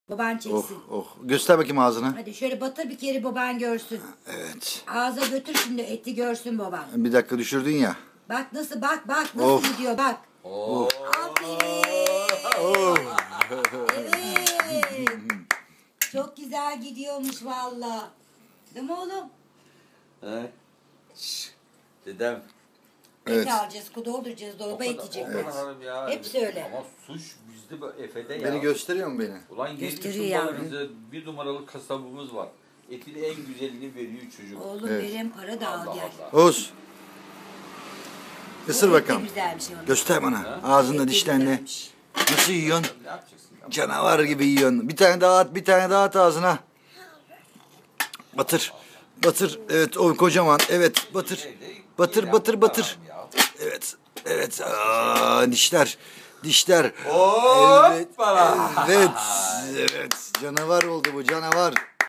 Baban Oh çeksin. oh. Göster bakayım ağzını. Hadi şöyle batır bir kere baban görsün. Evet. Ağza götür şimdi eti görsün baban. Bir dakika düşürdün ya. Bak nasıl bak nasıl Of. gidiyor bak. Oo. Aferin. Evet. Çok güzel gidiyormuş valla. Değil mi oğlum? He? Şşş. Dedem. Evet. Et alacağız, dolduracağız, dolaba et yiyecekler. Ya. Hepsi öyle. Ama suç bizde Efe'de ya. Beni gösteriyor mu beni? Ulan Gösteriyor yedi yavrum. bize bir numaralı kasabımız var. Etin en güzelini veriyor çocuk. Oğlum Evet. verem para da al Allah gel. Allah. Oğuz. Isır O et de bakalım. güzelmiş oğlum. Göster bana. Et Ağzında de dişlerini. güzelmiş. Nasıl yiyorsun? Ne yapacaksın? Ya? Canavar gibi yiyorsun. Bir tane daha at, bir tane daha at ağzına. Batır. Batır. Evet o kocaman. Evet batır. Batır batır batır. Evet. Evet. Aa, dişler. Dişler. Evet. Hoppala. Evet. Evet. Canavar oldu bu canavar.